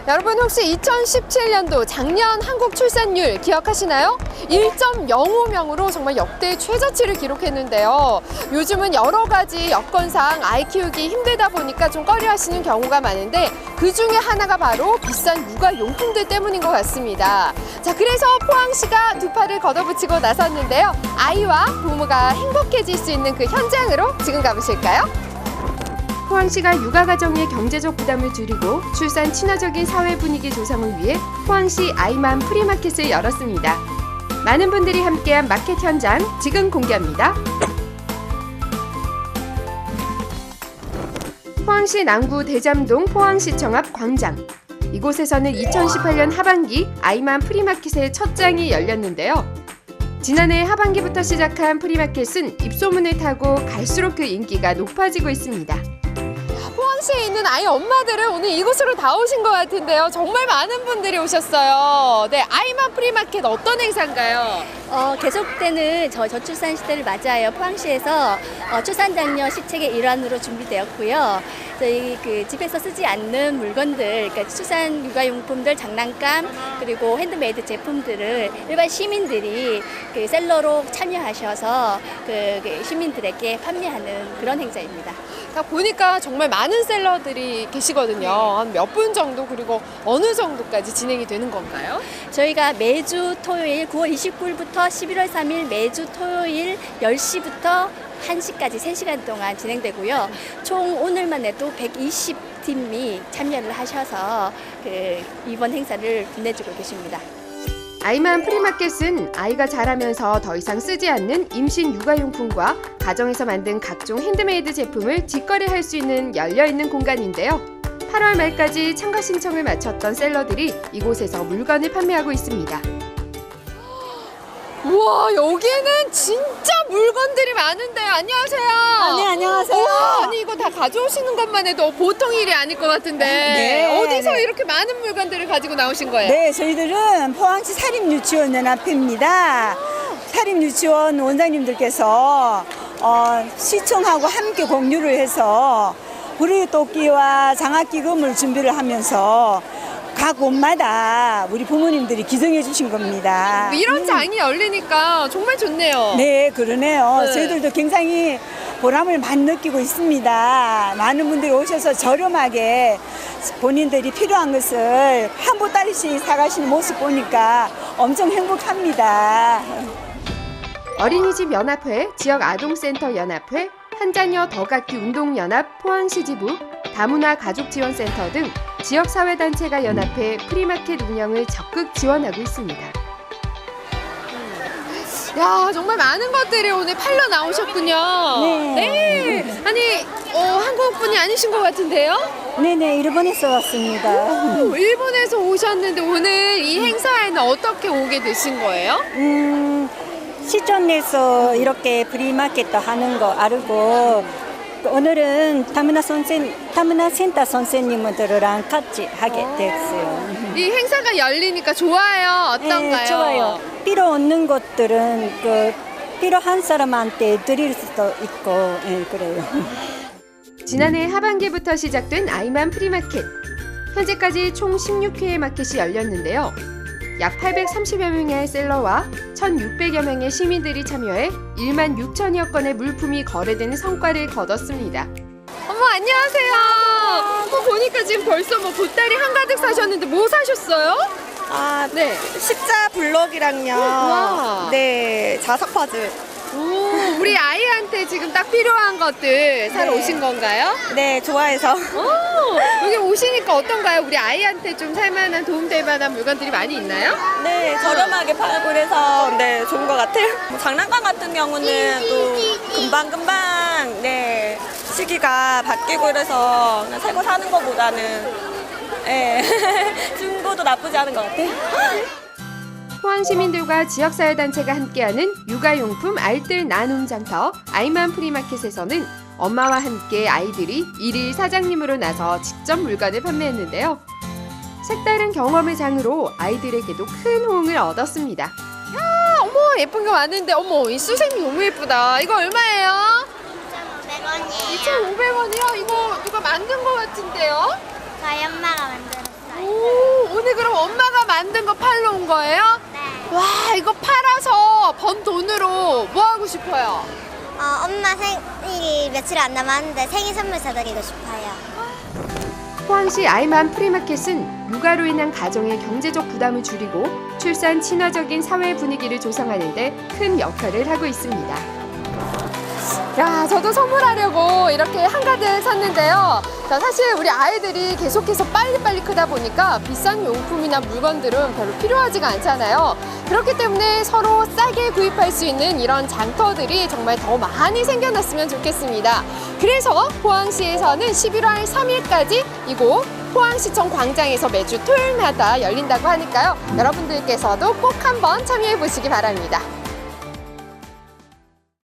여러분 혹시 2017년도 작년 한국 출산율 기억하시나요? 1.05명으로 정말 역대 최저치를 기록했는데요. 요즘은 여러 가지 여건상 아이 키우기 힘들다 보니까 좀 꺼려하시는 경우가 많은데 그 중에 하나가 바로 비싼 육아용품들 때문인 것 같습니다. 자, 그래서 포항시가 두 팔을 걷어붙이고 나섰는데요. 아이와 부모가 행복해질 수 있는 그 현장으로 지금 가보실까요? 포항시가 육아가정의 경제적 부담을 줄이고 출산 친화적인 사회 분위기 조성을 위해 포항시 아이맘 프리마켓을 열었습니다. 많은 분들이 함께한 마켓 현장 지금 공개합니다. 포항시 남구 대잠동 포항시청 앞 광장. 이곳에서는 2018년 하반기 아이맘 프리마켓의 첫 장이 열렸는데요. 지난해 하반기부터 시작한 프리마켓은 입소문을 타고 갈수록 그 인기가 높아지고 있습니다. 포항시에 있는 아이 엄마들은 오늘 이곳으로 다 오신 것 같은데요. 정말 많은 분들이 오셨어요. 네, 아이맘 프리마켓 어떤 행사인가요? 계속되는 저출산 시대를 맞이하여 포항시에서 출산 장려 시책의 일환으로 준비되었고요. 저희 집에서 쓰지 않는 물건들, 그러니까 출산 육아용품들, 장난감, 그리고 핸드메이드 제품들을 일반 시민들이 셀러로 참여하셔서 시민들에게 판매하는 그런 행사입니다. 보니까 정말 많은 셀러들이 계시거든요. 한 몇 분 정도, 그리고 어느 정도까지 진행이 되는 건가요? 저희가 매주 토요일 9월 29일부터 11월 3일 매주 토요일 10시부터 1시까지 3시간 동안 진행되고요. 총 오늘만 해도 120팀이 참여를 하셔서 이번 행사를 빛내주고 계십니다. 아이맘 프리마켓은 아이가 자라면서 더 이상 쓰지 않는 임신 육아용품과 가정에서 만든 각종 핸드메이드 제품을 직거래할 수 있는 열려있는 공간인데요. 8월 말까지 참가 신청을 마쳤던 셀러들이 이곳에서 물건을 판매하고 있습니다. 우와, 여기는 진짜 물건들이 많은데요. 안녕하세요. 네, 안녕하세요. 우와, 아니 이거 다 가져오시는 것만 해도 보통 일이 아닐 것 같은데 네, 어디서 네. 이렇게 많은 물건들을 가지고 나오신 거예요? 네, 저희들은 포항시 사립유치원연합회입니다. 사립유치원 원장님들께서 시청하고 함께 공유를 해서 부르토끼와 장학기금을 준비를 하면서 각 곳마다 우리 부모님들이 기증해 주신 겁니다. 이런 장이 열리니까 정말 좋네요. 네, 그러네요. 네. 저희들도 굉장히 보람을 많이 느끼고 있습니다. 많은 분들이 오셔서 저렴하게 본인들이 필요한 것을 한 보따리씩 사가시는 모습 보니까 엄청 행복합니다. 어린이집 연합회, 지역 아동센터 연합회, 한자녀 더갖기 운동연합 포항시지부, 다문화 가족지원센터 등 지역사회단체가 연합해 프리마켓 운영을 적극 지원하고 있습니다. 야, 정말 많은 것들이 오늘 팔러 나오셨군요. 네. 아니, 한국 분이 아니신 것 같은데요? 네네, 일본에서 왔습니다. 일본에서 오셨는데 오늘 이 행사에는 어떻게 오게 되신 거예요? 시청 내에서 이렇게 프리마켓도 하는 거 알고 오늘은 다문화 센터 선생님들이랑 같이 하게 됐어요. 이 행사가 열리니까 좋아요? 어떤가요? 네, 좋아요. 필요 없는 것들은 필요한 사람한테 드릴 수도 있고, 그래요. 지난해 하반기부터 시작된 아이맘 프리마켓. 현재까지 총 16회의 마켓이 열렸는데요. 약 830여 명의 셀러와 1,600여 명의 시민들이 참여해 1만 6천여 건의 물품이 거래되는 성과를 거뒀습니다. 어머, 안녕하세요. 보니까 지금 벌써 보따리 한가득 사셨는데 뭐 사셨어요? 네. 십자 블럭이랑요. 와. 네, 자석 파즈. 오, 우리 아이한테 지금 딱 필요한 것들 사러 네. 오신 건가요? 네, 좋아해서. 여기 오시니까 어떤가요? 우리 아이한테 좀 살만한 도움될 만한 물건들이 많이 있나요? 네, 저렴하게 팔고 그래서 네, 좋은 것 같아요. 장난감 같은 경우는 또 금방금방 네, 시기가 바뀌고 그래서 그냥 새거 사는 것보다는 네, 중고도 나쁘지 않은 것 같아요. 포항 시민들과 지역사회단체가 함께하는 육아용품 알뜰 나눔 장터 아이맘 프리마켓에서는 엄마와 함께 아이들이 일일 사장님으로 나서 직접 물건을 판매했는데요. 색다른 경험의 장으로 아이들에게도 큰 호응을 얻었습니다. 야, 어머, 예쁜 게 왔는데, 어머, 이 수세미 너무 예쁘다. 이거 얼마예요? 2,500원이에요. 2,500원이요? 이거 누가 만든 거 같은데요? 저희 엄마가 만들었어요. 오, 만든 거 팔러 온 거예요? 네. 와, 이거 팔아서 번 돈으로 뭐 하고 싶어요? 엄마 생일이 며칠 안 남았는데 생일 선물 사드리고 싶어요. 포항시 아이맘 프리마켓은 육아로 인한 가정의 경제적 부담을 줄이고 출산 친화적인 사회 분위기를 조성하는 데 큰 역할을 하고 있습니다. 야, 저도 선물하려고 이렇게 한가득 샀는데요. 자, 사실 우리 아이들이 계속해서 빨리빨리 크다 보니까 비싼 용품이나 물건들은 별로 필요하지가 않잖아요. 그렇기 때문에 서로 싸게 구입할 수 있는 이런 장터들이 정말 더 많이 생겨났으면 좋겠습니다. 그래서 포항시에서는 11월 3일까지 이곳 포항시청 광장에서 매주 토요일마다 열린다고 하니까요. 여러분들께서도 꼭 한번 참여해 보시기 바랍니다.